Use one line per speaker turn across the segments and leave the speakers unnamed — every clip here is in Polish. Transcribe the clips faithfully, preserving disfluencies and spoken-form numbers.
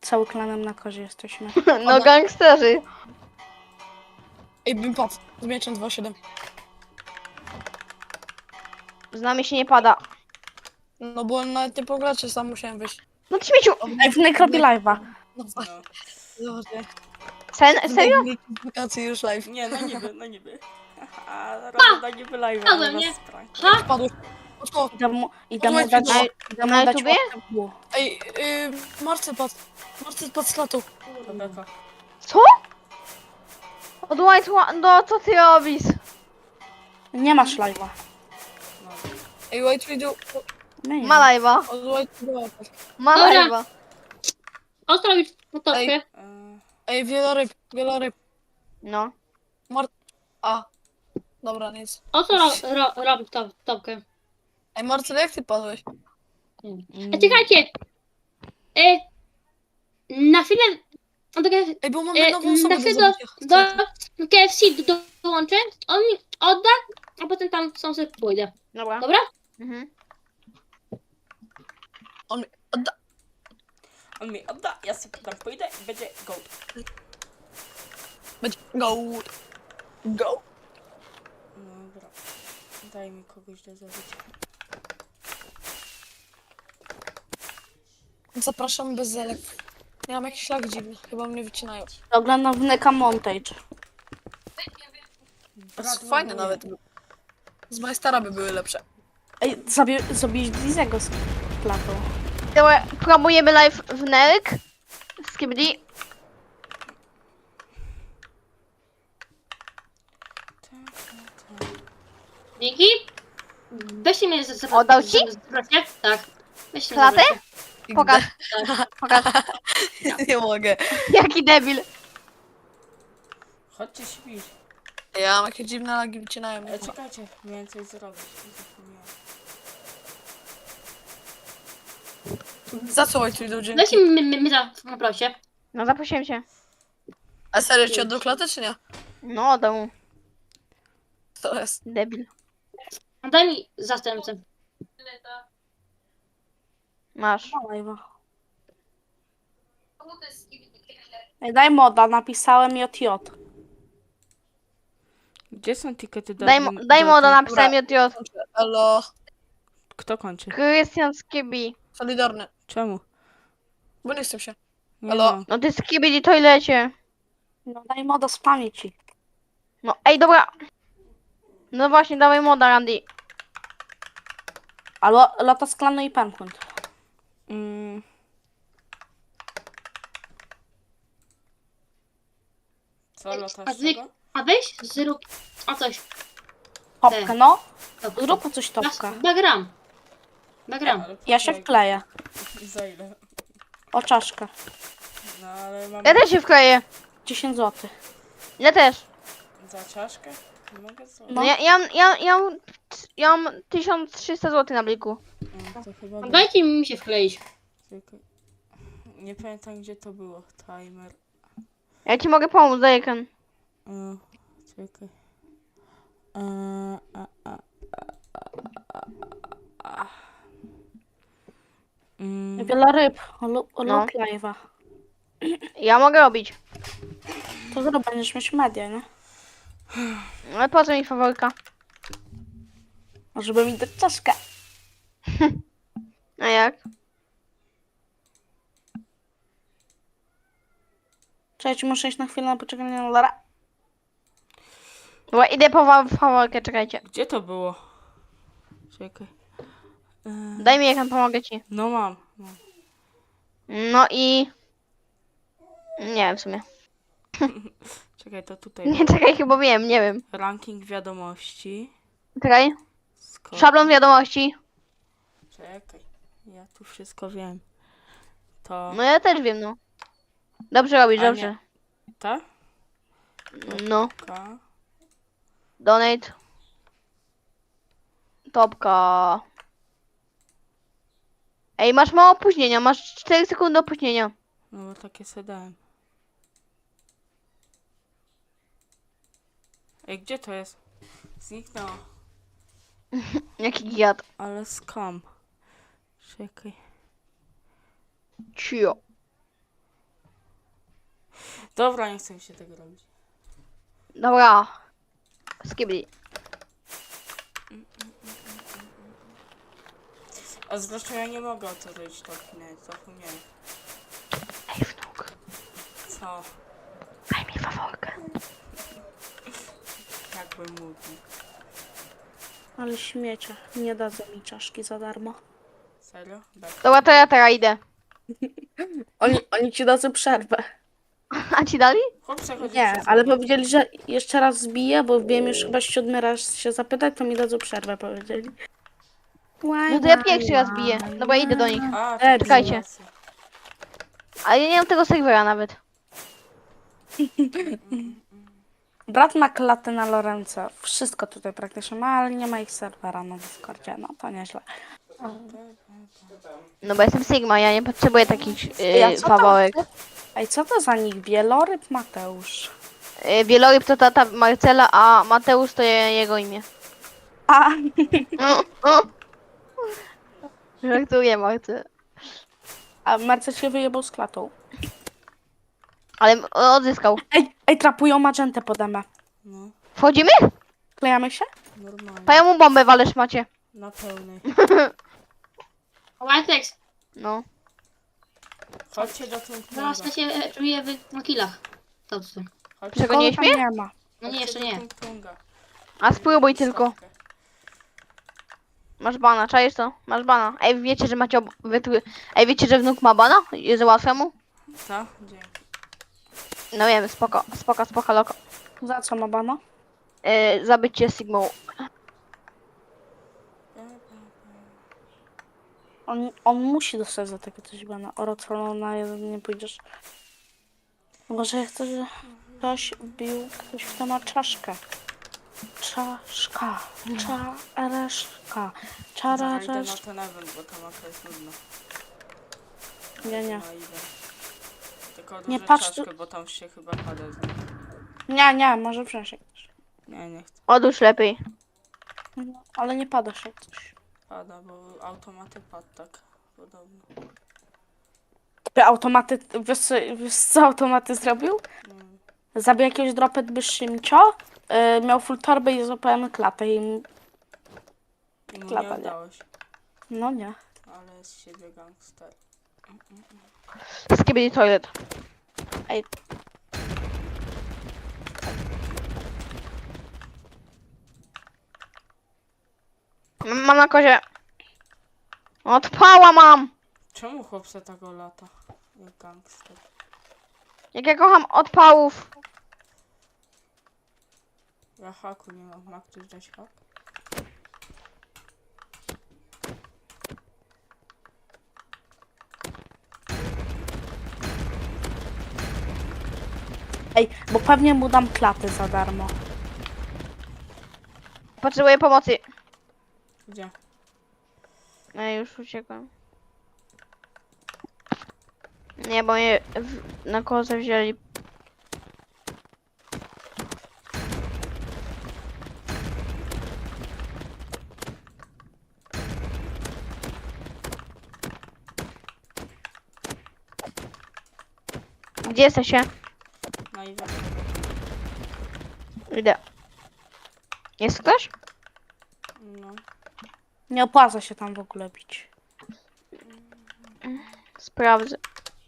cały klanem na kozie jesteśmy.
No gangsterzy.
Ej, bym padł. Z mieczem dwa siedem.
Z nami się nie pada.
No bo nawet nie pogracie, sam musiałem wyjść.
No ty śmieciu.
Ej, Wnek robi live'a.
No tak. Dobrze.
Sen, serio?
Wakacji już live.
Nie, no niby, no niby. A robię na niby live, ale
Padłem,
was
nie?
sprank.
Ha?
Padłeś. Oczko.
Idę mu, idę mu
Podłączcie
dać,
to.
idę
Na
mu dać
YouTubie?
łapkę w dół.
Ej, yy, Marcy padł. Marcy padł z klatu.
Dobra, to.
Co? Od White One, no co ty robisz?
Nie masz live'a.
No.
Ej, White Widow.
Nie, nie.
Ma live'a.
Od White Widow.
Ma
Dobra.
live'a.
Ostro mi fotowkę.
Ej.
E,
Ej, wieloryb, wieloryb.
No.
Mar... A. Dobra, nic.
Ostro ro, ro, robi to, topkę.
Ej, Marcel, jak ty padłeś?
E, czekajcie. E, na chwilę... no to K F C,
Ej, bo mamy
e,
nową osobę
na
do
chwilę
zabicia.
do, do K F C do, dołączę. On mi odda, a potem tam są sobie pójdę.
Dobra.
Dobra?
Mhm.
On mi odda.
on mi odda, ja sobie tam pójdę i będzie gold.
Będzie go. Go.
Dobra. Daj mi kogoś do zabicia.
Zapraszam bez zelek. Ja mam jakiś szlak dziwny. Chyba mnie wycinają.
Oglądam Wneka Montage.
To jest fajne nawet. Z Majstara by były lepsze.
Ej, zabi zabiłeś Blizego z klatu.
Dobra, promujemy live w Nerk. Z Kibli.
Dzięki. Weźcie mnie z... z
Oddał ci?
z- z- Tak. Weźcie mnie
Klatę?
zabrać.
Pokaż. Pokaż.
Nie mogę.
Jaki debil.
Chodźcie śpić.
Ja mam jakieś dziwne lagi, wycinają mnie.
E, czekajcie, miałem coś zrobić. Zapomniałem.
Za co White Widow, dzięki?
Weźcie mnie, mnie, mnie za... Poproszę.
No zaprosiłem cię.
A serio ci oddał klatę, czy nie?
No, domu.
To jest.
Debil.
Daj mi zastępcę.
Masz.
Ma live'a. Ej, daj moda, napisałem J J.
Gdzie są tikety do
Daj, mo- daj
do
moda,
tej-
napisałem J J.
Elo.
Kto kończy?
Krystian z Kibli.
Solidarny.
Czemu?
Bo nie chcę się.
Nie
Halo?
mam.
No ty z Kibli toilecie.
No daj moda z pamięci.
No ej, dobra. No właśnie, dawaj moda, Randy.
A lo lata z klanu i pękund.
Mm. Co,
A
latasz
wy...
czego?
A weź zrób... A coś.
Topkę, no.
Topkę.
Zrób coś topkę.
Bagram. Bagram.
Ale
Ja się
poczekaj.
wkleję.
Za ile?
O czaszkę.
No ale mam
Ja też się wkleję.
dziesięć złotych.
Ja też.
za czaszkę? Nie mogę zrobić.
No
No.
ja, ja, ja, ja, mam- ja mam tysiąc trzysta złotych na bliku.
No, to chyba da.
Dajcie mi się wkleić.
Tylko... Nie pamiętam gdzie to było. Timer.
Ja ci mogę pomóc, Dajken.
E, czekaj. E, a, a, a, a, a, a. Mm,
Wiele ryb. Lub
No.
lub live'a.
Ja mogę robić.
To zrób, będziesz mieć media, nie?
Ale po co mi faworka?
Żeby mi dać czaszkę.
A jak?
Cześć, muszę iść na chwilę na poczekanie na Lara.
Dobra, idę po wa- faworkę, czekajcie.
Gdzie to było? Czekaj. E,
Daj mi, jak pomogę ci.
no mam. mam.
No i... Nie wiem w sumie.
Czekaj, to tutaj.
Nie, czekaj, chyba wiem, nie wiem.
Ranking wiadomości.
Czekaj.
Skok.
Szablon wiadomości.
Czekaj. Ja tu wszystko wiem. To.
No ja też wiem, no. Dobrze robisz,
A nie.
dobrze.
Ta?
No.
Ka.
Donate. Topka. Ej, masz mało opóźnienia, masz cztery sekundy opóźnienia.
No bo takie se dałem. Ej, gdzie to jest? Zniknęło.
Jaki giat.
Ale skam. Czekaj.
Cio.
Dobra, nie chcę mi się tego robić.
Dobra. Skibidi.
A zresztą ja nie mogę otworzyć to, nie, zapomniałem.
Ej, wnuk.
Co?
Daj mi faworkę.
Jakbym mówił.
Ale śmiecia. Nie dadzą mi czaszki za darmo.
Serio? Bek.
Dobra, to ja teraz idę.
Oni, oni ci dadzą przerwę.
A ci dali?
Chłop przechodzi
Nie,
przez
ale
wodę.
powiedzieli, że jeszcze raz zbiję, bo wbiłem już chyba siódmy raz się zapytać, to mi dadzą przerwę, powiedzieli.
No to ja pierwszy raz biję. Dobra, idę do nich.
A,
E,
to
czekajcie.
racja.
Ale ja nie mam tego serwera nawet.
Brat ma klatę na Lorence. Wszystko tutaj praktycznie ma, ale nie ma ich serwera na Discordzie. No to nieźle.
No bo jestem Sigma, ja nie potrzebuję takich
Ja
yy,
co to-
faworek.
Ej, co to za nich? Wieloryb Mateusz.
Yy, Wieloryb to tata Marcela, a Mateusz to je, jego imię.
A,
Żartuję, Marcel.
a Marcel się wyjebał z klatą.
Ale m- odzyskał.
Ej, ej, trapują magentę pode mnie.
No,
Wchodzimy?
Klejamy się?
normalnie.
To ja mu bombę walesz, macie.
Na pełnej.
Whitex,
No.
Chodźcie do tym
zaraz to się e, czuję w na killach. To co?
Chodźcie,
Czego nie
Kogo tam
śmie?
nie ma.
No nie, jeszcze
chodźcie
nie.
do Tung-Tunga.
A spróbuj tylko.
Stawkę.
Masz bana, czaisz to? Masz bana. Ej, wiecie, że macie ob... wytry... Ej, wiecie, że wnuk ma bana? Jest łatwe mu?
Co? Dzięki.
No wiem, spoko, spoko, spoko, loko.
Za co ma bana?
Yy, zabycie Sigmą.
On, on musi dostać za takie coś bana. Orocolo na jeden nie pójdziesz. Może ja chcę, że ktoś bił, ktoś kto ma czaszkę. Czaszka, czareszka,
Zaraz idę na
czararesz...
ten event, bo ta mapa jest nudna.
Nie, nie.
No, idę. Tylko
Nie
dużo
patrz tu-
czaszkę, bo tam się chyba pada z nim.
Nie, nie, może wziąć jak coś.
Nie, nie chcę.
Odłóż lepiej.
No, ale nie pada się jak coś.
Pada, bo automaty padł tak. Podobno.
Ty automaty, wiesz co, wiesz co automaty zrobił?
Mm.
Zabił jakiegoś dropet Szymcio, yy, miał full torbę i złapałem klatę i...
I mu nie
Klapa, nie?
udało się.
No nie.
Ale z siebie gangster.
Skibidi toilet.
Ej,
M- Mam na kozie. Odpała mam!
Czemu chłopca tego lata? Jak gangster.
Jak ja kocham odpałów.
Ja haku nie mam. Ma ktoś dać hak?
ej, bo pewnie mu dam klatę za darmo.
Potrzebuję pomocy.
Gdzie?
Ej, już uciekłem. Nie, bo mnie w... na kozę wzięli. Gdzie jesteście?
Na event.
Idę. Jest ktoś?
No.
Nie opłaca się tam w ogóle bić.
Sprawdzę.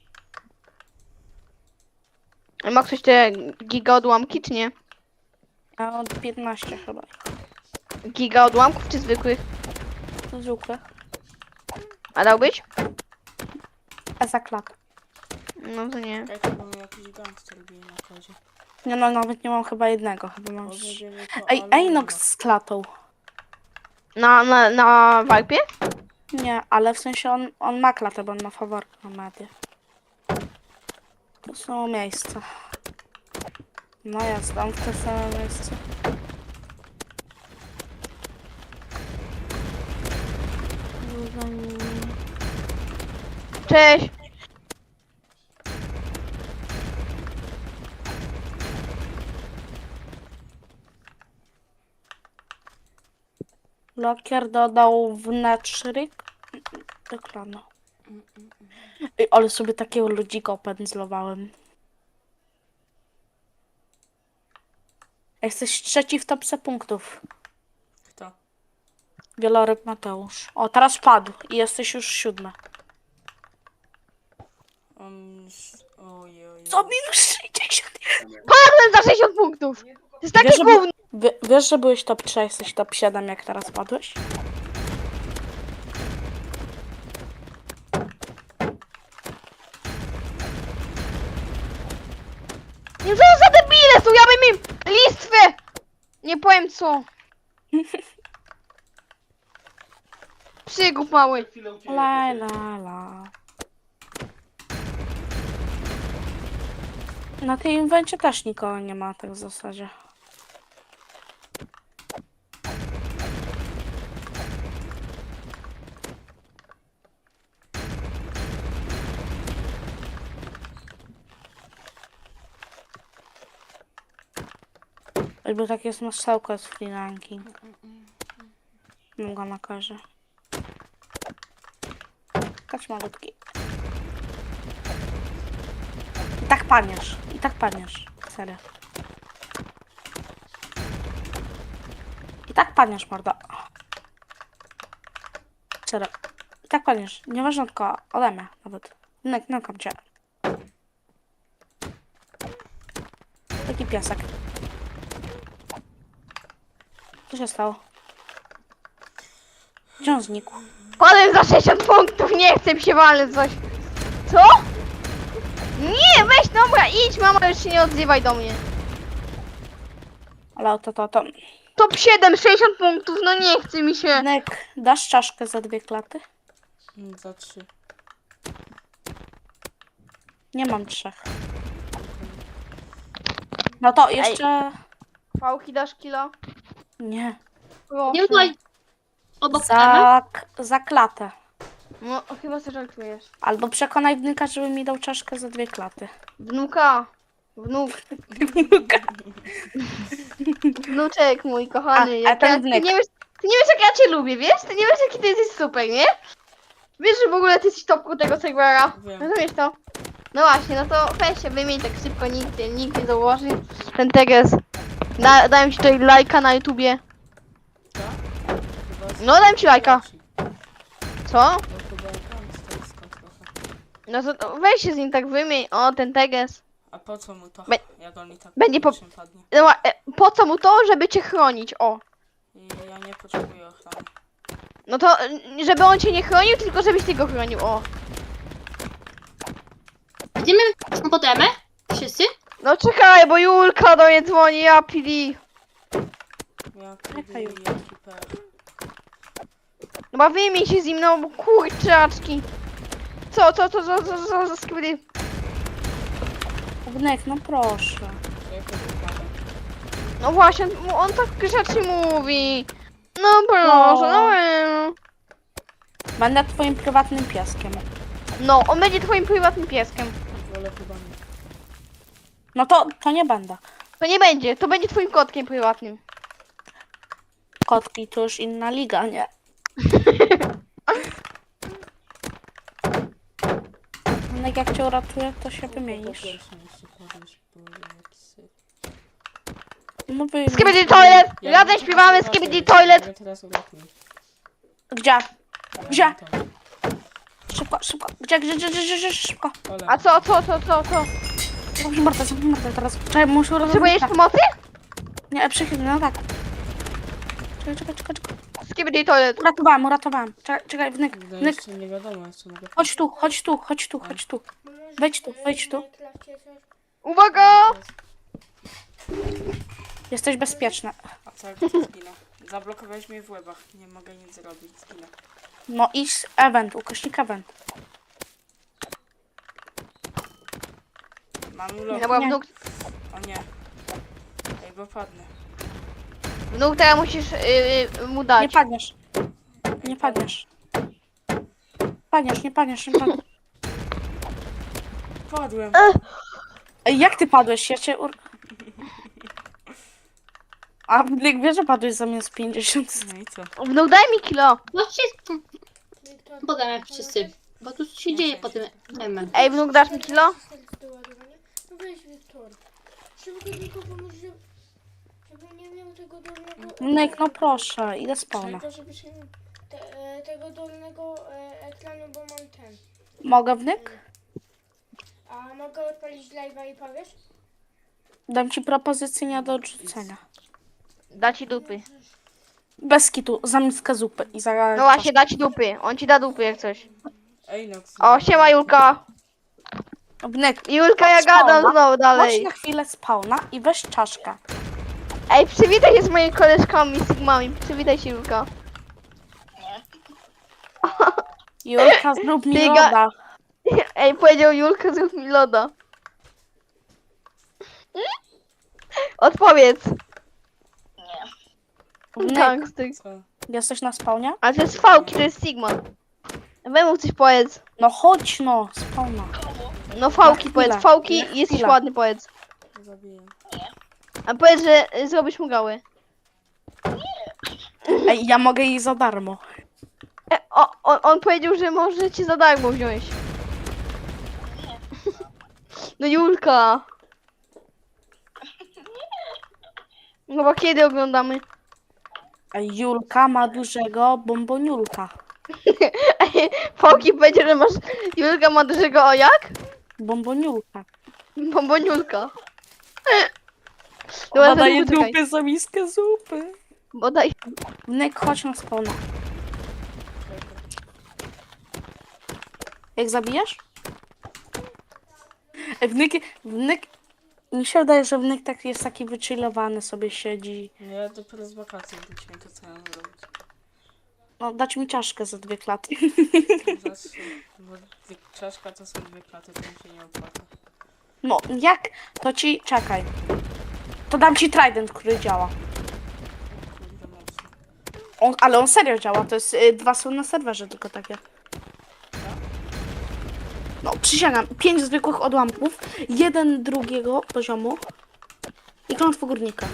Ma ktoś te giga odłamki, czy nie?
A od piętnaście chyba.
Giga odłamków, czy zwykłych?
Zwykłe.
A dałbyś?
A za klatę.
No to nie.
Czekaj, to był jakiś gangster bije na kozie.
Nie no, nawet nie mam chyba jednego, chyba mam...
Może
trzy.
bierze to
Ej,
Alumina.
Ejnox z klatą.
Na, na, na walpie?
Nie, ale w sensie on, on ma klatę, bo on ma faworkę na medię. To są miejsca. No jasne, on w te same miejsce.
Cześć!
Lokier dodał wnętrznik do klanu. Ej, ale sobie takiego ludzika opędzlowałem. Jesteś trzeci w topce punktów.
Kto?
Wieloryb Mateusz. O, teraz padł i jesteś już siódmy.
On... Ojej, ojej.
Co minus sześćdziesiąt?
Padłem za sześćdziesiąt punktów! To jest takie
Wiesz, że,
gówno!
wie, wiesz, że byłeś top trzy, a jesteś top siedem, jak teraz padłeś?
Nie co za debile są, ja bym im listwę! Nie powiem co. Przygłup mały.
La la la. Na tej inwencie też nikogo nie ma, tak w zasadzie. Jakby tak jest masełko z free ranking. Mam go na karze. Kacz malutki. I tak paniesz. I tak paniesz. Serio. I tak paniesz, mordo. Serio. I tak paniesz. Nieważne tylko ode mnie nawet. Nek, nekam cię. Taki piasek. Co się stało? Gdzie on znikł?
Padłem za sześćdziesiąt punktów, nie chcę mi się walnąć coś. Co? Nie, weź dobra, idź mama, już się nie odzywaj do mnie.
Ale to, to, to.
Top siedem, sześćdziesiąt punktów, no nie chce mi się.
Nek, dasz czaszkę za dwie klaty?
Mm, Za trzy.
Nie mam trzech. No to jeszcze...
Pałki dasz kilo?
Nie.
Proszę.
Nie była obok Emy?
Za, za klatę.
No chyba sobie żartujesz.
Albo przekonaj wnuka, żeby mi dał czaszkę za dwie klaty.
Wnuka. Wnuk. Wnuczek mój kochany.
A- a
jak
ten
ja, ty,
wnuk.
nie wiesz, ty nie wiesz jak ja cię lubię, wiesz? Ty nie wiesz jaki ty jesteś super, nie? Wiesz, że w ogóle ty jesteś topku tego serwera.
Wiem.
Rozumiesz to? No właśnie, no to weź się wymień tak szybko, nikt, nie- nikt nie zauważy. Ten teges. Da, dałem ci tutaj lajka na YouTubie.
Co? Chyba z-
No dałem ci lajka.
Leci.
Co?
No chyba hamstersko trochę.
No to, to weź się z nim tak wymień. O, ten teges.
A po co mu to?
Be-
Jak on i tak
będzie po-
po... padnie.
No, a, e, po co mu to? Żeby cię chronić, o.
I ja nie potrzebuję ochrony.
No to, y, żeby on cię nie chronił, tylko żebyś ty go chronił, o.
Idziemy pod Emę? Wszyscy?
No czekaj, bo Julka do mnie dzwoni, ja pili.
Ja
Jaka
kiedy
już?
jaki per.
No ma wymień się z nim, no bo kurczaczki. Co, co, co, co, co, co, co, skryty?
Wnek, no proszę.
Czekaj, wypadek.
No właśnie, on, on tak grzecznie mówi. No proszę,
No.
no. em.
Będę twoim prywatnym pieskiem.
No, on będzie twoim prywatnym pieskiem.
Wolę chyba nie.
No to, to nie będę.
To nie będzie, to będzie twoim kotkiem prywatnym.
Kotki to już inna liga, nie? Wnek, jak cię uratuję, to się
Po
wymienisz.
pierwsze nie się kładłeś, bo jakiś syf.
No wymień.
Skibidi toilet!
Ja
Razem
nie
śpiewamy
teraz
Skibidi
uratuję,
toilet!
ja teraz uratuję.
Gdzie?
Ale
Gdzie?
nie to.
Szybko, szybko. Gdzie, gdzie, gdzie, gdzie, gdzie, gdzie szybko.
Ole.
A co, co, co, co, co?
Zamknij mordę, zamknij mordę teraz. Czekaj, muszę uratować.
Potrzebujesz pomocy?
Nie, przychyl, no tak. Czekaj, czekaj, czekaj, czekaj.
Skibidi toilet.
Uratowałem, uratowałem. Czekaj, czekaj, wnyk,
No
wnyk.
jeszcze nie wiadomo, jeszcze mogę...
Chodź tu, chodź tu, chodź tu, chodź tu. Wejdź tu, wejdź tu.
Uwaga!
Jesteś bezpieczna.
A co jak to zginę? Zablokowałeś mnie w łebach. Nie mogę nic zrobić, zginę.
No idź z event, ukośnik event.
Mam ulot.
No bo
Nie.
wnuk,
O nie. Ej, bo padnę.
wnuk teraz musisz yy, yy, mu
Nie
dać.
padniesz. Nie padniesz. Padniesz, nie padniesz, nie padniesz.
Padłem.
Ej, jak ty padłeś? Ja cię ur... A jak wiesz, że padłeś zamiast pięćdziesiąt.
No i co?
Wnuk daj mi kilo.
Chodźcie pod Emę wszyscy. Bo tu się dzieje pod Emę.
Ej, wnuk dasz mi kilo?
No weź Wiktor. Szybko tylko pomóż, żeby tego dolnego...
Wnek, no proszę, idę spawna.
Czego, żeby się...
Te, e, tego dolnego e, ekranu, bo mam ten.
Mogę wnek?
A mogę odpalić live'a i powiesz?
Dam ci propozycję nie do odrzucenia.
Da ci dupy.
Bez kitu, za miskę zupy i za...
No właśnie, da ci dupy. On ci da dupy jak coś.
Ej, Nox.
O, siema Julka.
Wnek,
Julka, ja
Spawna.
gadam znowu
chodź
dalej.
na chwilę spawna i weź czaszkę.
Ej, przywitaj się z moimi koleżkami, Sigmami. Przywitaj się, Julka.
Julka, zrób mi
Ty ga-
loda.
Ej, powiedział Julka, zrób mi loda. Odpowiedz.
Wnek,
Tak, ty.
Co?
jesteś na spawnie?
Ale to jest fałki, to jest Sigma. Wymów coś powiedz.
No chodź no, spawna.
No fałki
chwilę,
powiedz, fałki,
na
jesteś
chwilę.
ładny powiedz.
Zabiję.
A powiedz, że y, zrobisz mu gały.
Ej, ja mogę jej za darmo.
E, o, on, on powiedział, że może ci za darmo wziąć. No Julka. No bo kiedy oglądamy?
Ej, Julka ma dużego bomboniulka.
Ej, Fałki powiedział, że masz... Julka ma dużego o jak?
Bomboniulka.
Bomboniulka.
Ona
Dobra,
daje
to poczekaj.
dupy za miskę zupy.
Bodaj.
Wnek, chodź na spawna. Jak zabijesz? Ej, Wnek, wnek... Mi się wydaje, że wnek tak jest taki wychillowany, sobie siedzi.
No ja dopiero z wakacji wróciłem, to co ja mam zrobić?
No, dać mi czaszkę za dwie klaty.
Zawsze, bo dwie- czaszka to są dwie klaty, to mi się nie opłaca.
No, jak? To ci... Czekaj. To dam ci trident, który działa.
Kurde mocno.
On, ale on serio działa, to jest... Y, dwa są na serwerze tylko takie. No, przysięgam. Pięć zwykłych odłamków, jeden drugiego poziomu i klątwo górnika.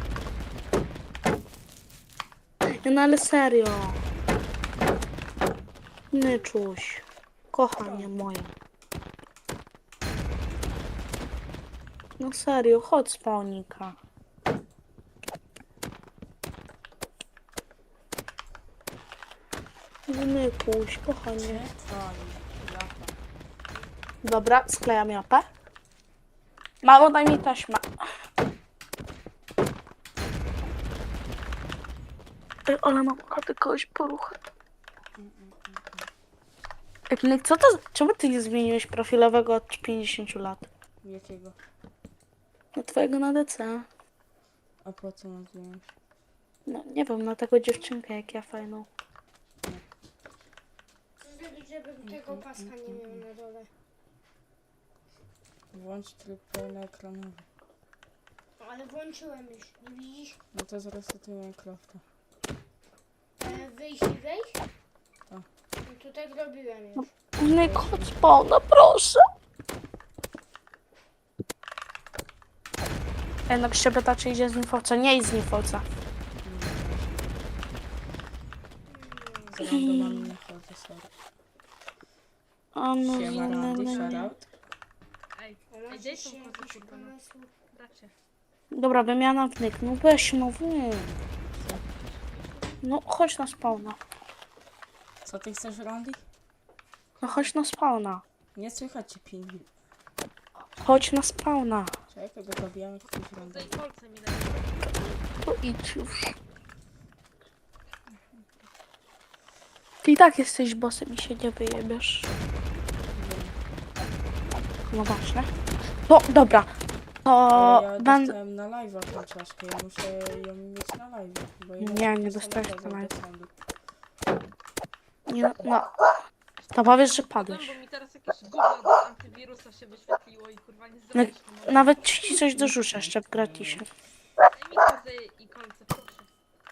No ale serio. Nyczuś. Kochanie moje. No serio, chodź spawnika. Nykuś, kochanie.
Trwali, lata.
Dobra, sklejam japę. Mamo, daj mi taśmę. Ej, ale mam ochotę kogoś poruchać. Ej, Pinek, co to... Czemu ty nie zmieniłeś profilowego od pięćdziesięciu lat?
Jakiego?
No twojego na D C.
A po co mam zmienić?
No nie wiem, na taką dziewczynkę jak ja fajną.
Co zrobić, żebym tego paska nie miał na dole?
Włącz tryb pełnoekranowy.
Ale włączyłem już, nie widzisz?
No to zresetuję Minecrafta.
E, wyjść i wejść?
Tak.
No to tak robiłem już.
Pinek, chodź spawna, proszę. Ej, no Grzebeta, czy idzie z Nifoca? Nie idź z Nifoca.
Z randomami nie chodzę, sorry.
A no,
Siema
no,
Randy,
no, nie.
shoutout.
A masz jeszcze jakieś pomysły?
Dobra, wymiana wnyk. No weź, no wy. No chodź na spawna.
Co ty chcesz, Randy?
No chodź na spawna.
Nie słychać cię, pingwin.
Chodź na spawna.
Czekaj, go zabijamy jakiegoś Randy.
To idź już. Ty i tak jesteś bossem i się nie wyjebiesz. No właśnie. No dobra. To
Ale ja
będę...
dostałem na live'a tą czaszkę, ja muszę ją mieć na live. Bo
Nie,
inaczej
nie
to
dostałeś
samo
na
chodzą
live.
do sądu.
Nie, no. To powiesz, że padłeś.
Bo mi teraz jakieś gówno do antywirusa się wyświetliło i kurwa nie
No,
zrobisz. No,
nawet ci coś dorzucę jeszcze w gratisie.
daj mi kozy i kolce, proszę.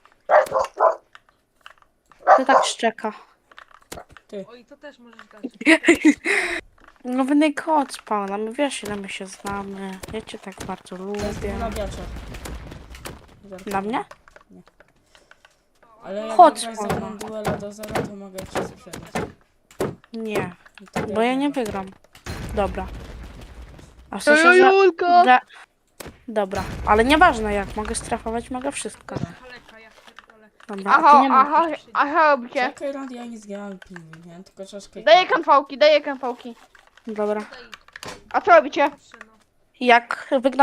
To tak szczeka.
Oj, to też możesz dać.
No wynik chodź spawna, my wiesz ile my się znamy. Ja cię tak bardzo
To jest
lubię.
nabiacza.
Dla mnie?
Ale jak
Chodź,
wygrasz ze
mama.
mną duela do zera, to mogę ci sprzedać.
Nie,
I to
bo ja nie
wiadomo.
wygram. Dobra. A w
To
sensie, że...
Julka!
Że... Dobra, ale nieważne jak, mogę strefować, mogę wszystko.
Kaleka, ja pierdolę.
Dobra, a ty
Aha,
nie
aha,
możesz.
aha, robicie.
Czekaj, Rad, ja nie zgrałem pilnie, nie? Tylko czaszkę.
Daję kanfałki, daję kanfałki.
Dobra.
Tutaj
A co robicie?
patrzę, no.
Jak wygląda